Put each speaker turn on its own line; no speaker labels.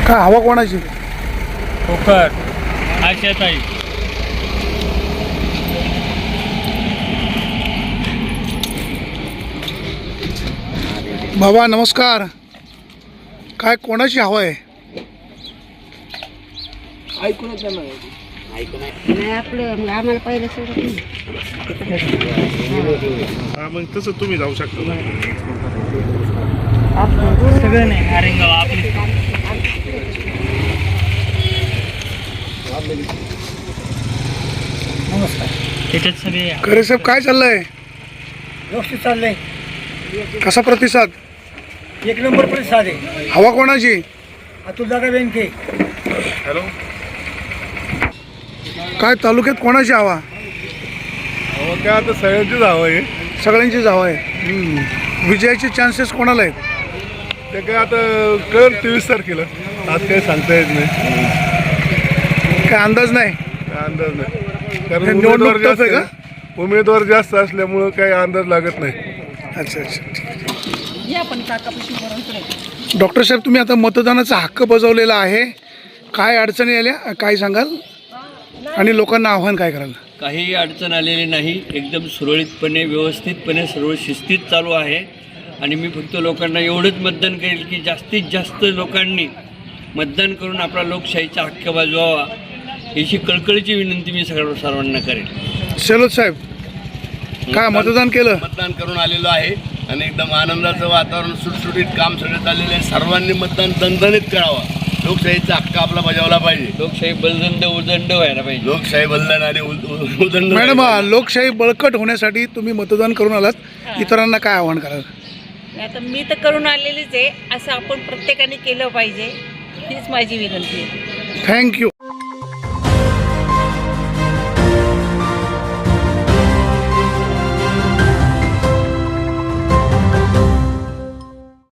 काय हवा कोणाची?
खोकर आशाताई.
बाबा नमस्कार. काय कोणाची हवा आहे?
नाही आपलं मग आम्हाला पहिलं सोडत नाही.
मग तसं तुम्ही जाऊ शकता.
सगळं नाही हारेंगाव आपली.
नमस्कार.
त्याच्यात सगळे
खरे साहेब काय चाललंय?
व्यवस्थित चाललंय.
कसा प्रतिसाद?
एक नंबर प्रतिसाद आहे.
हवा कोणाची?
अतुलदादा बेनके.
हॅलो. काय तालुक्यात कोणाची हवा?
काय आता सगळ्यांचीच हवं आहे.
सगळ्यांचीच हवा आहे. विजयाचे चान्सेस कोणाला आहेत?
ते काय आता कळ 23 तारखेला. आज काही सांगता येत नाही.
काय अंदाज नाही.
काय अंदाज नाही. कारण
हे निवडणूक
उमेदवार जास्त
tough आहे का?
आहे. उमेदवार जास्त असल्यामुळं काही अंदाज लागत नाही.
अच्छा अच्छा. डॉक्टर साहेब तुम्ही आता मतदानाचा हक्क बजावलेला आहे. काय अडचणी आल्या काय सांगाल? आणि लोकांना आव्हान काय कराल?
काही अडचण आलेली नाही. एकदम सुरळीतपणे व्यवस्थितपणे सर्व शिस्तीत चालू आहे. आणि मी फक्त लोकांना एवढंच मतदान करेल की जास्तीत जास्त लोकांनी मतदान करून आपला लोकशाहीचा हक्क बजवावा याची कळकळीची विनंती मी सर्वांना करेल.
शेलोद साहेब काय मतदान केलं?
मतदान करून आलेलो आहे आणि एकदम आनंदाचं वातावरण, सुटसुटीत काम सगळं चाललेलं आहे. सर्वांनी मतदान दणदणीत करावा. लोकशाहीचा हक्क आपला बजावला पाहिजे.
लोकशाही बलदंड उदंड व्हायला पाहिजे.
लोकशाही बलदन आणि उदंड.
मॅडम लोकशाही बळकट होण्यासाठी तुम्ही मतदान करून आलात. इतरांना काय आव्हान कराल?
आता मी तर करून आलेलीच आहे. असं आपण प्रत्येकाने केलं पाहिजे हीच माझी विनंती आहे.
थँक्यू.